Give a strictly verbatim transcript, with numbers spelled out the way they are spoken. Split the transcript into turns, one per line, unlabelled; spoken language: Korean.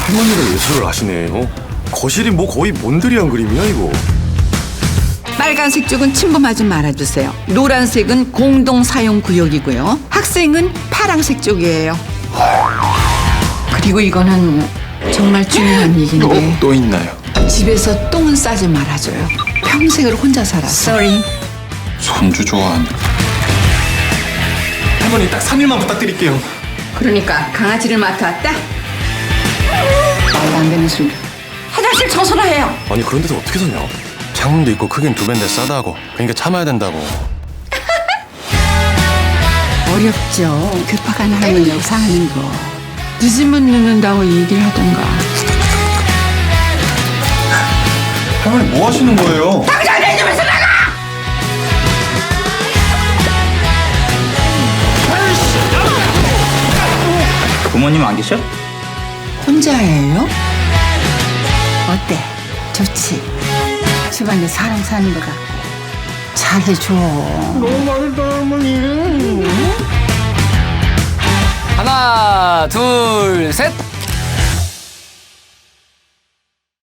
할머니가 예술을 하시네. 어? 거실이 뭐 거의 몬드리안 그림이야 이거.
빨간색 쪽은 침범하지 말아주세요. 노란색은 공동 사용 구역이고요. 학생은 파란색 쪽이에요. 그리고 이거는 정말 중요한 얘기인데
또 있나요?
집에서 똥은 싸지 말아줘요. 평생을 혼자 살았어. Sorry.
손주 좋아하는. 할머니 딱 삼 일만 부탁드릴게요.
그러니까 강아지를 맡아왔다? 말도 안 되는 소리. 화장실 청소나 해요.
아니 그런 데서 어떻게 사냐?
창문도 있고 크긴 두 배인데 싸다고. 그러니까 참아야 된다고.
어렵죠. 급박한 할머니하고 사는 거. 늦으면 늦는다고 얘기를 하던가.
할머니 뭐 하시는 거예요?
당장 내 집에서 나가!
부모님 안 계셔?
혼자예요? 어때? 좋지? 집안에 사람 사는 거 같고 잘해줘.
하나, 둘, 셋.